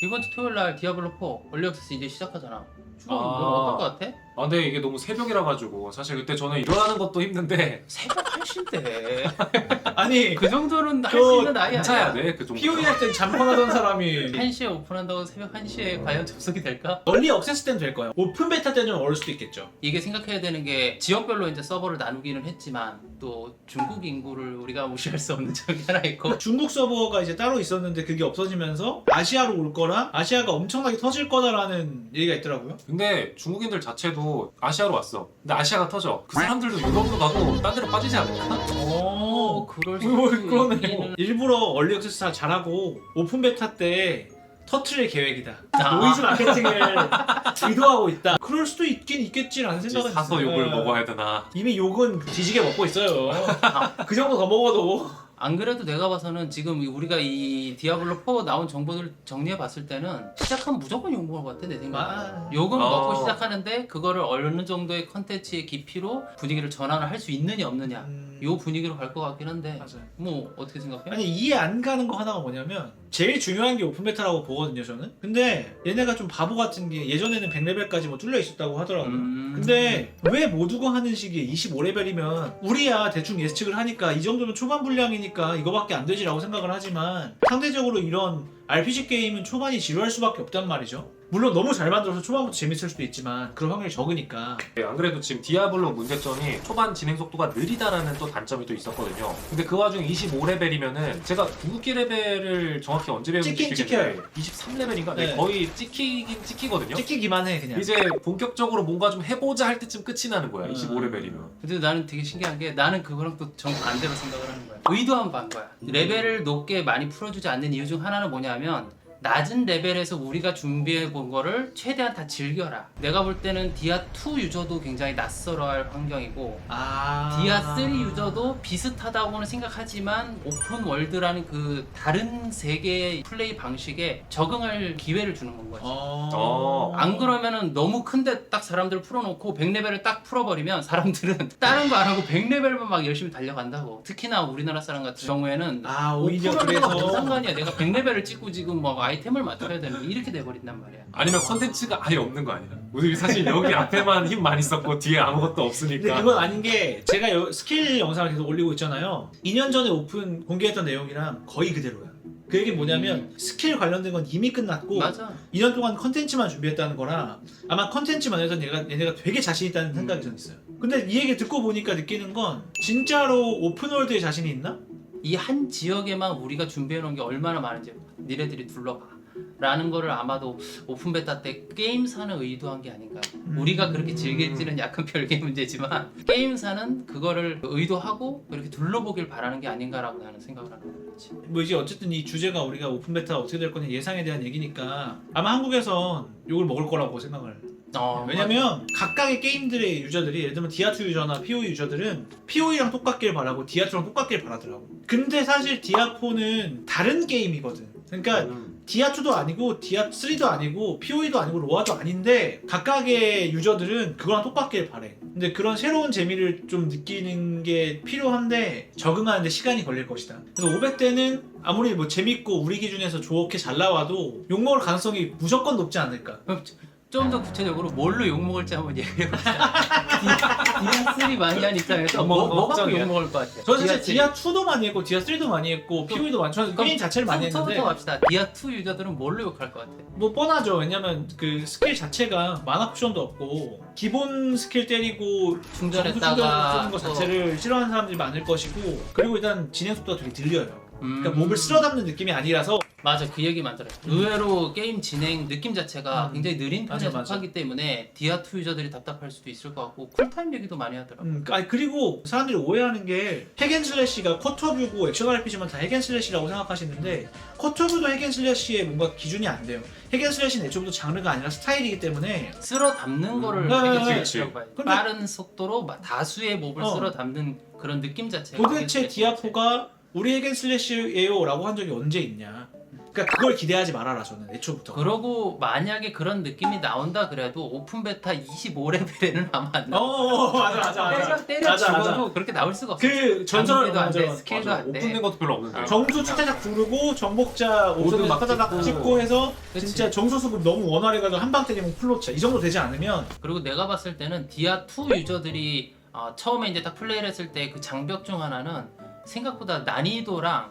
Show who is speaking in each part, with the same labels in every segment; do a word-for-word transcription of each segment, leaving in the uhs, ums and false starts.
Speaker 1: 이번 주 토요일 날 디아블로 사 얼리 액세스 이제 시작하잖아. 주로
Speaker 2: 아.
Speaker 1: 넌 어떨 것 같아?
Speaker 2: 아 근데 이게 너무 새벽이라 가지고 사실 그때 저는 일어나는 것도 힘든데
Speaker 1: 새벽 한 시인데
Speaker 3: 아니
Speaker 1: 그 정도는 할
Speaker 3: 저
Speaker 1: 수 있는 나이
Speaker 2: 괜찮아야
Speaker 1: 아니야?
Speaker 2: 돼 그 정도.
Speaker 3: 피오이 할 땐 잠펑하던 사람이
Speaker 1: 한 시에 오픈한다고 새벽 한 시에 과연 접속이 될까?
Speaker 3: 얼리 억세스 때는 될 거야. 오픈 베타 때는 좀 어려울 수도 있겠죠.
Speaker 1: 이게 생각해야 되는 게 지역별로 이제 서버를 나누기는 했지만 또 중국 인구를 우리가 무시할 수 없는 점이 하나 있고
Speaker 3: 중국 서버가 이제 따로 있었는데 그게 없어지면서 아시아로 올 거라 아시아가 엄청나게 터질 거다라는 얘기가 있더라고요.
Speaker 2: 근데 중국인들 자체도 아시아로 왔어. 근데 아시아가 터져. 그 사람들도 유럽으로 가고 딴 데로 빠지지 않을까?
Speaker 1: 어, 그럴 수
Speaker 3: 뭐
Speaker 1: 있지.
Speaker 3: 그러네. 일부러 얼리 억세스 다 잘하고 오픈 베타 때 터트릴 계획이다.
Speaker 1: 아.
Speaker 3: 노이즈 마케팅을 의도하고 있다. 그럴 수도 있긴 있겠지라는 생각은
Speaker 2: 사서
Speaker 3: 있어요.
Speaker 2: 욕을
Speaker 3: 네.
Speaker 2: 먹어야 되나?
Speaker 3: 이미 욕은 뒤지게 먹고 있어요. 그 정도 더 먹어도
Speaker 1: 안 그래도 내가 봐서는 지금 우리가 이 디아블로 사 나온 정보들 정리해 봤을 때는 시작하면 무조건 욕 먹을 것 같아 내 생각에.
Speaker 3: 아.
Speaker 1: 욕은
Speaker 2: 어.
Speaker 1: 먹고 시작하는데 그거를 어느 정도의 컨텐츠의 깊이로 분위기를 전환을 할 수 있느냐 없느냐
Speaker 3: 음...
Speaker 1: 요 분위기로 갈 것 같긴 한데
Speaker 3: 맞아요.
Speaker 1: 뭐 어떻게 생각해?
Speaker 3: 아니 이해 안 가는 거 하나가 뭐냐면 제일 중요한 게 오픈 베타라고 보거든요 저는. 근데 얘네가 좀 바보 같은 게 예전에는 백 레벨까지 뭐 뚫려 있었다고 하더라고요.
Speaker 1: 음...
Speaker 3: 근데 왜 모두가 하는 시기에 이십오 레벨이면 우리야 대충 예측을 하니까 이 정도면 초반 분량이니까 이거밖에 안 되지라고 생각을 하지만 상대적으로 이런 알피지 게임은 초반이 지루할 수밖에 없단 말이죠. 물론 너무 잘 만들어서 초반부터 재밌을 수도 있지만 그런 확률이 적으니까.
Speaker 2: 네, 안 그래도 지금 디아블로 문제점이 초반 진행 속도가 느리다라는 또 단점이 또 있었거든요. 근데 그 와중에 이십오 레벨이면은 제가 궁극기 레벨을 정확히 언제 배웠는지
Speaker 3: 찍긴
Speaker 2: 모르겠는데 이십삼 레벨인가? 네.
Speaker 3: 네.
Speaker 2: 거의 찍히긴 찍히거든요.
Speaker 3: 찍히기만 해 그냥.
Speaker 2: 이제 본격적으로 뭔가 좀 해보자 할 때쯤 끝이 나는 거야.
Speaker 3: 음.
Speaker 2: 이십오 레벨이면.
Speaker 1: 근데 나는 되게 신기한 게 나는 그거랑 또 정반대로 생각을 하는 거야. 의도한 반 거야. 레벨을 높게 많이 풀어주지 않는 이유 중 하나는 뭐냐면 낮은 레벨에서 우리가 준비해 본 거를 최대한 다 즐겨라. 내가 볼 때는 디아 이 유저도 굉장히 낯설어할 환경이고
Speaker 3: 아...
Speaker 1: 디아 삼 유저도 비슷하다고는 생각하지만 오픈 월드라는 그 다른 세계의 플레이 방식에 적응할 기회를 주는 건 거지.
Speaker 3: 어...
Speaker 1: 안 그러면은 너무 큰데 딱 사람들 풀어놓고 백 레벨을 딱 풀어버리면 사람들은 다른 거 안 하고 백 레벨만 막 열심히 달려간다고. 특히나 우리나라 사람 같은 경우에는
Speaker 3: 아 오히려
Speaker 1: 오픈월드가
Speaker 3: 그래서
Speaker 1: 무슨 상관이야. 내가 백 레벨을 찍고 지금 뭐 아이템을 맞춰야 되는 거 이렇게 돼버린단 말이야.
Speaker 2: 아니면 컨텐츠가 아예 없는 거 아니야? 우리 사실 여기 앞에만 힘 많이 썼고 뒤에 아무것도
Speaker 3: 근데
Speaker 2: 없으니까.
Speaker 3: 그건 아닌 게 제가 여- 스킬 영상을 계속 올리고 있잖아요. 이 년 전에 오픈 공개했던 내용이랑 거의 그대로야. 그 얘기는 뭐냐면 스킬 관련된 건 이미 끝났고
Speaker 1: 맞아.
Speaker 3: 이 년 동안 컨텐츠만 준비했다는 거라 아마 컨텐츠만 해서 얘가, 얘네가 되게 자신 있다는
Speaker 1: 음.
Speaker 3: 생각이 전 있어요. 근데 이 얘기 듣고 보니까 느끼는 건 진짜로 오픈월드에 자신이 있나?
Speaker 1: 이 한 지역에만 우리가 준비해 놓은 게 얼마나 많은지 니네들이 둘러봐 라는 거를 아마도 오픈 베타 때 게임사는 의도한 게 아닌가.
Speaker 3: 음.
Speaker 1: 우리가 그렇게 즐길지는 약간 별개 문제지만 게임사는 그거를 의도하고 그렇게 둘러보길 바라는 게 아닌가라고 나는 생각을 하는 거지.
Speaker 3: 뭐 이제 어쨌든 이 주제가 우리가 오픈 베타 어떻게 될 거냐 예상에 대한 얘기니까 아마 한국에선 욕을 먹을 거라고 생각을.
Speaker 1: 어,
Speaker 3: 왜냐면 각각의 게임들의 유저들이 예를 들면 디아 투 유저나 피오이 유저들은 피오이랑 똑같길 바라고 디아 투랑 똑같길 바라더라고. 근데 사실 디아 사는 다른 게임이거든. 그러니까
Speaker 2: 음.
Speaker 3: 디아 투도 아니고 디아 쓰리도 아니고 피오이도 아니고 로아도 아닌데 각각의 유저들은 그거랑 똑같길 바래. 근데 그런 새로운 재미를 좀 느끼는 게 필요한데 적응하는데 시간이 걸릴 것이다. 그래서 오백 대는 아무리 뭐 재밌고 우리 기준에서 좋게 잘 나와도 욕먹을 가능성이 무조건 높지 않을까.
Speaker 1: 좀 더 구체적으로 뭘로 욕먹을지 한번 얘기해봅시다. 디아 삼 많이 한 입장에서 뭐,
Speaker 2: 뭐
Speaker 1: 뭐 갖고
Speaker 2: 걱정이야.
Speaker 1: 욕먹을 것 같아?
Speaker 3: 저는 사실
Speaker 1: 삼.
Speaker 3: 디아 투도 많이 했고 디아 쓰리도 많이 했고 피오이도 많이 했고 게임 자체를 많이 했는데
Speaker 1: 부터 갑시다. 디아 이 유저들은 뭘로 욕할 것 같아?
Speaker 3: 뭐 뻔하죠. 왜냐면 그 스킬 자체가 마나 쿠션도 없고 기본 스킬 때리고
Speaker 1: 충전했다가
Speaker 3: 쓰는 거 자체를 싫어하는 사람들이 많을 것이고 그리고 일단 진행 속도가 되게 느려요.
Speaker 1: 음...
Speaker 3: 그러니까 몸을 쓸어 담는 느낌이 아니라서
Speaker 1: 맞아, 그 얘기 많더라. 의외로 게임 진행 느낌 자체가
Speaker 3: 음.
Speaker 1: 굉장히 느린 편에
Speaker 3: 맞아, 맞아.
Speaker 1: 속하기 때문에 디아 이 유저들이 답답할 수도 있을 것 같고 쿨타임 얘기도 많이 하더라고.
Speaker 3: 음, 아니 그리고 사람들이 오해하는 게 핵앤슬래시가 쿼터뷰고 액션 알피지만 다 핵앤슬래시라고 생각하시는데 쿼터뷰도 핵앤슬래시의 뭔가 기준이 안 돼요. 핵앤슬래시는 애초부터 장르가 아니라 스타일이기 때문에
Speaker 1: 쓸어 담는 거를
Speaker 3: 네,
Speaker 1: 되게
Speaker 3: 네,
Speaker 1: 중요하고 봐요.
Speaker 3: 근데-
Speaker 1: 빠른 속도로 막 다수의 몹을
Speaker 3: 어.
Speaker 1: 쓸어 담는 그런 느낌 자체가
Speaker 3: 도대체
Speaker 1: 되게
Speaker 3: 디아 사가 우리 핵앤슬래시예요 라고 한 적이 언제 있냐. 그러니까 그걸 기대하지 말아라 저는 애초부터.
Speaker 1: 그러고 만약에 그런 느낌이 나온다 그래도 오픈 베타 이십오 레벨에는 아마 안 나와.
Speaker 3: 어 맞아 맞아
Speaker 1: 때려
Speaker 3: 맞아.
Speaker 1: 때려
Speaker 3: 맞아,
Speaker 1: 죽어도
Speaker 3: 맞아.
Speaker 1: 그렇게 나올 수가 없어.
Speaker 3: 그 전설
Speaker 1: 장비도 안 돼,
Speaker 3: 맞아.
Speaker 1: 스킬도
Speaker 2: 맞아.
Speaker 1: 안 돼.
Speaker 2: 오픈된 것도 별로 없는데.
Speaker 1: 아.
Speaker 3: 정수 차차작 두르고 정복자
Speaker 2: 모드
Speaker 3: 오션을
Speaker 2: 막
Speaker 3: 타다닥
Speaker 2: 찍고.
Speaker 3: 찍고 해서
Speaker 1: 그치.
Speaker 3: 진짜 정수 수급 너무 원활해가지고 한 방 때리면 풀로차 이 정도 되지 않으면
Speaker 1: 그리고 내가 봤을 때는 디아 투 유저들이 어, 처음에 이제 딱 플레이를 했을 때 그 장벽 중 하나는 생각보다 난이도랑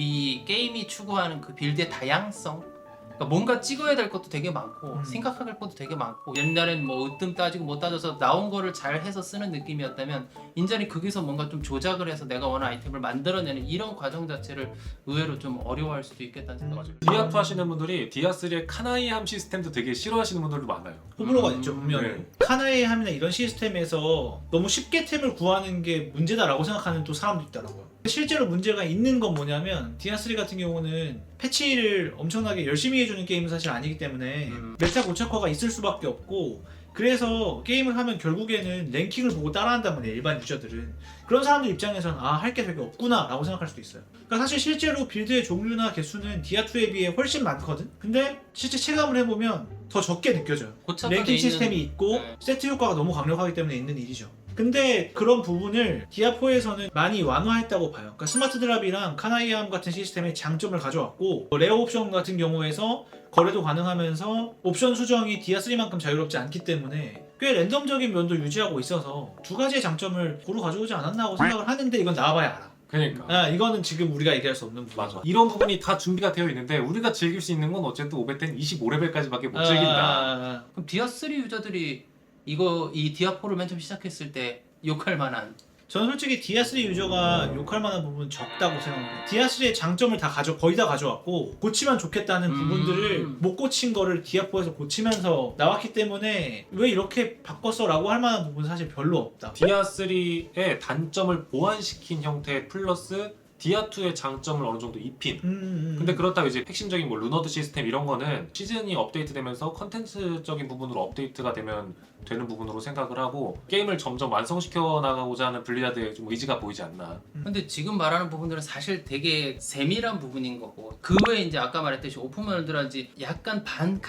Speaker 1: 이 게임이 추구하는 그 빌드의 다양성, 그러니까 뭔가 찍어야 될 것도 되게 많고
Speaker 3: 음.
Speaker 1: 생각할 것도 되게 많고 옛날엔 뭐 으뜸 따지고 못 따져서 나온 거를 잘 해서 쓰는 느낌이었다면 인전이 거기서 뭔가 좀 조작을 해서 내가 원하는 아이템을 만들어내는 이런 과정 자체를 의외로 좀 어려워할 수도 있겠다는 생각이
Speaker 3: 음.
Speaker 2: 디아 투 하시는 분들이 디아 쓰리의 카나이 함 시스템도 되게 싫어하시는 분들도 많아요.
Speaker 3: 호불호가
Speaker 1: 음,
Speaker 3: 있죠 분명히.
Speaker 2: 네.
Speaker 3: 카나의 함이나 이런 시스템에서 너무 쉽게 템을 구하는 게 문제다라고 생각하는 또 사람도 있더라고요. 실제로 문제가 있는 건 뭐냐면 디아쓰리 같은 경우는 패치를 엄청나게 열심히 해주는 게임은 사실 아니기 때문에
Speaker 1: 음.
Speaker 3: 메타 고착화가 있을 수밖에 없고, 그래서 게임을 하면 결국에는 랭킹을 보고 따라한단 말이에요 일반 유저들은. 그런 사람들 입장에서는 아 할 게 되게 없구나 라고 생각할 수도 있어요. 그러니까 사실 실제로 빌드의 종류나 개수는 디아투에 비해 훨씬 많거든? 근데 실제 체감을 해보면 더 적게 느껴져요.
Speaker 1: 고착화돼
Speaker 3: 랭킹
Speaker 1: 있는-
Speaker 3: 시스템이 있고
Speaker 1: 네.
Speaker 3: 세트 효과가 너무 강력하기 때문에 있는 일이죠. 근데 그런 부분을 디아포에서는 많이 완화했다고 봐요. 그러니까 스마트 드랍이랑 카나이암 같은 시스템의 장점을 가져왔고, 레어 옵션 같은 경우에서 거래도 가능하면서 옵션 수정이 디아쓰리만큼 자유롭지 않기 때문에 꽤 랜덤적인 면도 유지하고 있어서 두 가지의 장점을 고루 가져오지 않았나 하고 생각을 하는데, 이건 나와봐야 알아.
Speaker 2: 그러니까.
Speaker 3: 아, 이거는 지금 우리가 얘기할 수 없는 부분.
Speaker 2: 맞아. 이런 부분이 다 준비가 되어 있는데 우리가 즐길 수 있는 건 어쨌든 오베텐 이십오 레벨까지밖에 못 즐긴다.
Speaker 1: 그럼 디아 쓰리 유저들이 이거 이 디아 포를 맨 처음 시작했을 때 욕할 만한
Speaker 3: 저는 솔직히 디아쓰리 유저가 욕할 만한 부분은 적다고 생각해요. 디아쓰리의 장점을 다 가져 거의 다 가져왔고, 고치면 좋겠다는
Speaker 1: 음.
Speaker 3: 부분들을 못 고친 거를 디아포에서 고치면서 나왔기 때문에 왜 이렇게 바꿨어라고 할 만한 부분은 사실 별로 없다.
Speaker 2: 디아 쓰리의 단점을 보완시킨 형태 플러스 디아 투의 장점을 어느 정도 입힌.
Speaker 3: 음, 음,
Speaker 2: 근데 그렇다고 이제 핵심적인 뭐 루너드 시스템 이런 거는 시즌이 업데이트되면서 컨텐츠적인 부분으로 업데이트가 되면 되는 부분으로 생각을 하고, 게임을 점점 완성시켜 나가고자 하는 블리자드의 좀 의지가 보이지 않나.
Speaker 1: 근데 지금 말하는 부분들은 사실 되게 세밀한 부분인 거고, 그 외에 이제 아까 말했듯이 오픈월드라든지 약간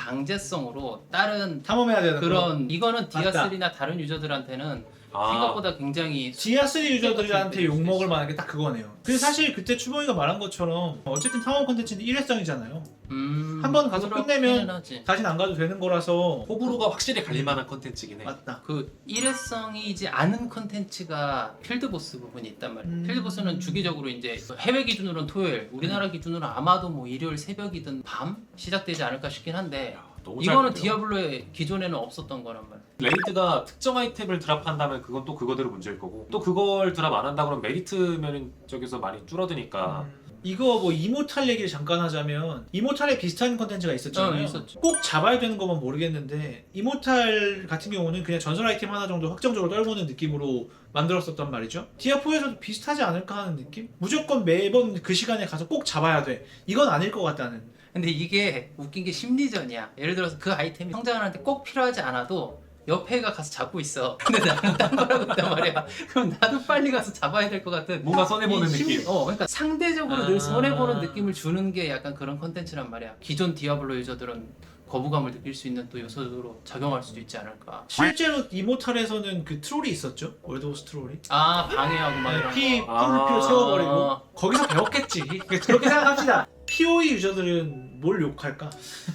Speaker 1: 반강제성으로 다른
Speaker 3: 탐험해야 되는 거.
Speaker 1: 그런 이거는 디아
Speaker 3: 맞다.
Speaker 1: 쓰리나 다른 유저들한테는
Speaker 2: 아,
Speaker 1: 생각보다 굉장히
Speaker 3: 디아쓰리 유저들한테
Speaker 1: 수
Speaker 3: 욕먹을
Speaker 1: 있어.
Speaker 3: 만한 게 딱 그거네요. 근데 사실 그때 추봉이가 말한 것처럼 어쨌든 탐험 콘텐츠는 일회성이잖아요.
Speaker 1: 음,
Speaker 3: 한번 가서
Speaker 1: 그렇기는
Speaker 3: 끝내면
Speaker 1: 하지.
Speaker 3: 다시는 안 가도 되는 거라서.
Speaker 2: 호불호가 확실히 갈릴 만한 컨텐츠긴 해.
Speaker 3: 맞다.
Speaker 1: 그 일회성이지 않은 컨텐츠가 필드보스 부분이 있단 말이에요.
Speaker 3: 음.
Speaker 1: 필드보스는 주기적으로 이제 해외 기준으로는 토요일, 우리나라 기준으로는 아마도 뭐 일요일 새벽이든 밤 시작되지 않을까 싶긴 한데,
Speaker 2: 야, 너무
Speaker 1: 이거는
Speaker 2: 짧은데요?
Speaker 1: 디아블로의 기존에는 없었던 거란 말이야.
Speaker 2: 레이드가 특정 아이템을 드랍한다면 그건 또 그거대로 문제일 거고, 또 그걸 드랍 안 한다 그러면 메리트 면적에서 많이 줄어드니까.
Speaker 3: 음. 이거 뭐 이모탈 얘기를 잠깐 하자면, 이모탈에 비슷한 컨텐츠가 있었잖아요.
Speaker 1: 어, 있었죠.
Speaker 3: 꼭 잡아야 되는 것만 모르겠는데, 이모탈 같은 경우는 그냥 전설 아이템 하나 정도 확정적으로 떨구는 느낌으로 만들었었단 말이죠. 디아포에서도 비슷하지 않을까 하는 느낌? 무조건 매번 그 시간에 가서 꼭 잡아야 돼, 이건 아닐 것 같다는.
Speaker 1: 근데 이게 웃긴 게 심리전이야. 예를 들어서 그 아이템이 성장한테 꼭 필요하지 않아도 옆에가 가서 잡고 있어. 근데 나는 딴 거라고 했단 말이야. 그럼 나도 빨리 가서 잡아야 될 것 같은
Speaker 2: 뭔가 손해보는
Speaker 1: 이 심-
Speaker 2: 느낌.
Speaker 1: 어, 그러니까 상대적으로
Speaker 3: 아.
Speaker 1: 늘 손해보는 느낌을 주는 게 약간 그런 컨텐츠란 말이야. 기존 디아블로 유저들은 거부감을 느낄 수 있는 또 요소로 작용할 수도 있지 않을까.
Speaker 3: 실제로 이모탈에서는 그 트롤이 있었죠. 월드 오브 트롤이.
Speaker 1: 아, 방해하고 막 이런
Speaker 3: 피,
Speaker 1: 거.
Speaker 2: 아.
Speaker 3: 풀피로 채워버리고.
Speaker 1: 아.
Speaker 3: 거기서 배웠겠지. 그렇게 생각합시다. 피오이 유저들은 뭘 욕할까?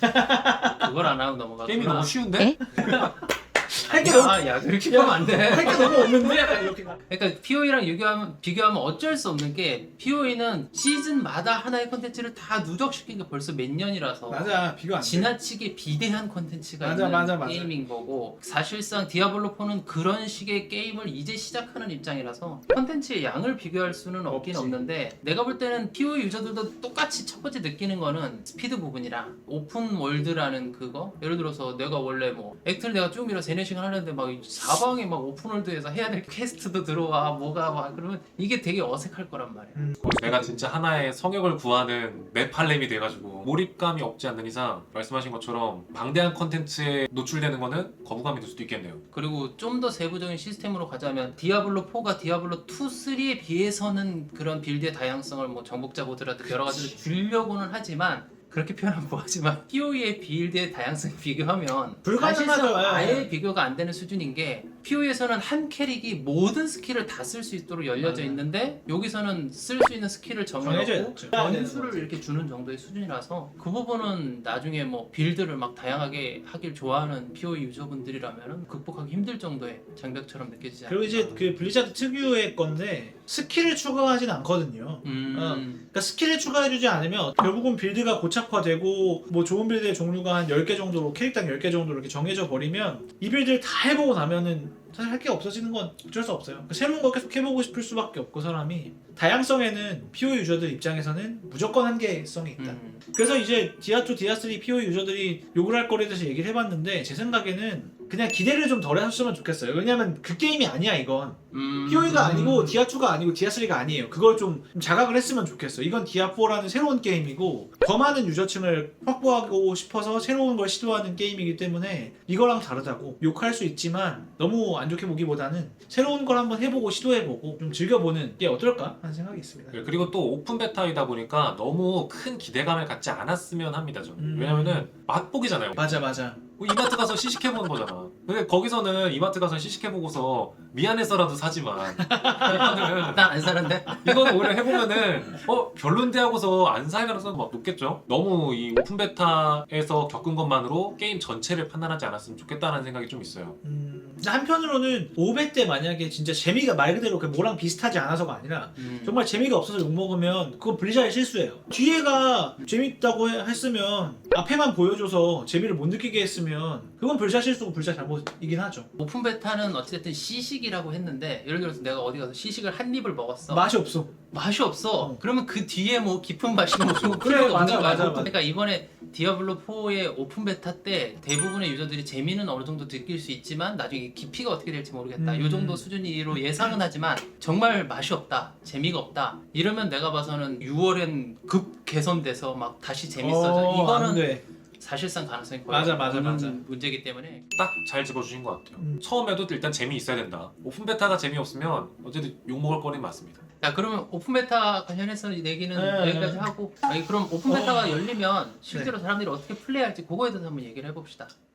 Speaker 1: 그걸 안 하고 넘어가.
Speaker 2: 게임이 너무 쉬운데?
Speaker 3: 할 게 너무,
Speaker 1: 아, 야, 그렇게 하면 안 돼.
Speaker 3: 할 게 너무 없는데? 약간 이렇게.
Speaker 1: 그러니까 피오이랑 비교하면, 비교하면 어쩔 수 없는 게, 피오이는 시즌마다 하나의 컨텐츠를 다 누적시킨 게 벌써 몇 년이라서
Speaker 3: 맞아, 비교 안 돼.
Speaker 1: 지나치게 비대한 컨텐츠가
Speaker 3: 맞아,
Speaker 1: 있는
Speaker 3: 맞아, 맞아.
Speaker 1: 게임인 거고, 사실상 디아블로 포는 그런 식의 게임을 이제 시작하는 입장이라서 컨텐츠의 양을 비교할 수는 없긴
Speaker 3: 없지.
Speaker 1: 없는데, 내가 볼 때는 피오이 유저들도 똑같이 첫 번째 느끼는 거는 스피드 부분이랑 오픈 월드라는 그거. 예를 들어서 내가 원래 뭐 액트를 내가 쭉 밀어 세네 시간 하는데 막 사방에 막 오픈 월드에서 해야 될 퀘스트도 들어와 뭐가 막 그러면 이게 되게 어색할 거란 말이야.
Speaker 3: 음.
Speaker 2: 내가 진짜 하나의 성역을 구하는 네팔렘이 돼가지고 몰입감이 없지 않는 이상 말씀하신 것처럼 방대한 컨텐츠에 노출되는 거는 거부감이 들 수도 있겠네요.
Speaker 1: 그리고 좀 더 세부적인 시스템으로 가자면 디아블로 포가 디아블로 투, 쓰리에 비해서는 그런 빌드의 다양성을 뭐 정복자 보드라든 여러 가지를 주려고는 하지만 그렇게 표현하면 뭐하지만 피오이의 빌드의 다양성 비교하면
Speaker 3: 불가능하죠.
Speaker 1: 사실상
Speaker 3: 예.
Speaker 1: 아예 비교가 안 되는 수준인 게 피오이에서는 한 캐릭이 모든 스킬을 다 쓸 수 있도록 열려져
Speaker 3: 맞아요.
Speaker 1: 있는데 여기서는 쓸 수 있는 스킬을
Speaker 3: 정해져
Speaker 1: 정해놓고
Speaker 3: 있죠.
Speaker 1: 변수를 이렇게 주는 정도의 수준이라서 그 부분은 나중에 뭐 빌드를 막 다양하게 하길 좋아하는 피오이 유저분들이라면 극복하기 힘들 정도의 장벽처럼 느껴지지 않을까.
Speaker 3: 그리고 이제 그 블리자드 특유의 건데 스킬을 추가하진 않거든요.
Speaker 1: 음...
Speaker 3: 어. 그러니까 스킬을 추가해주지 않으면 결국은 빌드가 고착화되고 뭐 좋은 빌드의 종류가 한 열 개 정도로 캐릭당 열 개 정도로 이렇게 정해져 버리면 이 빌드를 다 해보고 나면은 사실 할 게 없어지는 건 어쩔 수 없어요. 그 새로운 거 계속 해보고 싶을 수밖에 없고 사람이 다양성에는 피오이 유저들 입장에서는 무조건 한계성이 있다.
Speaker 1: 음.
Speaker 3: 그래서 이제 디아투, 디아쓰리 피오이 유저들이 욕을 할 거리에 대해서 얘기를 해봤는데 제 생각에는 그냥 기대를 좀 덜 하셨으면 좋겠어요. 왜냐면 그 게임이 아니야 이건.
Speaker 1: 음...
Speaker 3: 피오이가 아니고 디아투가 아니고 디아쓰리가 아니에요. 그걸 좀 자각을 했으면 좋겠어. 이건 디아포라는 새로운 게임이고 더 많은 유저층을 확보하고 싶어서 새로운 걸 시도하는 게임이기 때문에 이거랑 다르다고 욕할 수 있지만 너무 안 좋게 보기보다는 새로운 걸 한번 해보고 시도해보고 좀 즐겨보는 게 어떨까 하는 생각이 있습니다.
Speaker 2: 예, 그리고 또 오픈 베타이다 보니까 너무 큰 기대감을 갖지 않았으면 합니다. 저는.
Speaker 3: 음.
Speaker 2: 왜냐면은 맛보기잖아요.
Speaker 3: 맞아 맞아.
Speaker 2: 뭐 이마트 가서 시식해보는 거잖아. 근데 거기서는 이마트 가서 시식해보고서 미안해서라도 사지만 이거는
Speaker 1: 난안 사는데?
Speaker 2: 이거는 오히려 해보면은 어 별론데 하고서 안 살 가능성이 막 높겠죠. 너무 이 오픈 베타에서 겪은 것만으로 게임 전체를 판단하지 않았으면 좋겠다는 생각이 좀 있어요.
Speaker 3: 음, 근데 한편으로는 오백 때 만약에 진짜 재미가 말 그대로 그 뭐랑 비슷하지 않아서가 아니라
Speaker 1: 음.
Speaker 3: 정말 재미가 없어서 욕먹으면 그건 블리자드의 실수예요. 뒤에가 재밌다고 해- 했으면 앞에만 보여줘서 재미를 못 느끼게 했으면 그건 블리자드 실수고 블리자드 잘못이긴 하죠.
Speaker 1: 오픈 베타는 어쨌든 시식이라고 했는데 예를 들어서 내가 어디 가서 시식을 한 입을 먹었어.
Speaker 3: 맛이 없어.
Speaker 1: 맛이 없어.
Speaker 3: 어.
Speaker 1: 그러면 그 뒤에 뭐 깊은 맛이 뭐 좋은
Speaker 3: 그래,
Speaker 1: 필요가
Speaker 3: 맞아,
Speaker 1: 없는 거야.
Speaker 3: 맞아, 맞아.
Speaker 1: 그러니까 이번에 디아블로 포의 오픈 베타 때 대부분의 유저들이 재미는 어느 정도 느낄 수 있지만 나중에 깊이가 어떻게 될지 모르겠다.
Speaker 3: 음.
Speaker 1: 이 정도 수준으로 예상은 하지만 정말 맛이 없다. 재미가 없다. 이러면 내가 봐서는 유월엔 급 개선돼서 막 다시 재밌어져.
Speaker 3: 어,
Speaker 1: 이거는
Speaker 3: 안 돼.
Speaker 1: 사실상 가능성이 거의
Speaker 3: 맞아, 맞아,
Speaker 1: 없는
Speaker 3: 맞아.
Speaker 1: 문제이기 때문에
Speaker 2: 딱 잘 짚어주신 것 같아요.
Speaker 3: 음.
Speaker 2: 처음에도 일단 재미 있어야 된다. 오픈 베타가 재미없으면 어쨌든 욕먹을 거리는 맞습니다.
Speaker 1: 자 그러면 오픈 베타 관련해서 얘기는
Speaker 3: 네,
Speaker 1: 여기까지
Speaker 3: 네.
Speaker 1: 하고 아니 그럼 오픈 베타가
Speaker 3: 어.
Speaker 1: 열리면 실제로 사람들이 어떻게 플레이할지 그거에 대해서 한번 얘기를 해봅시다.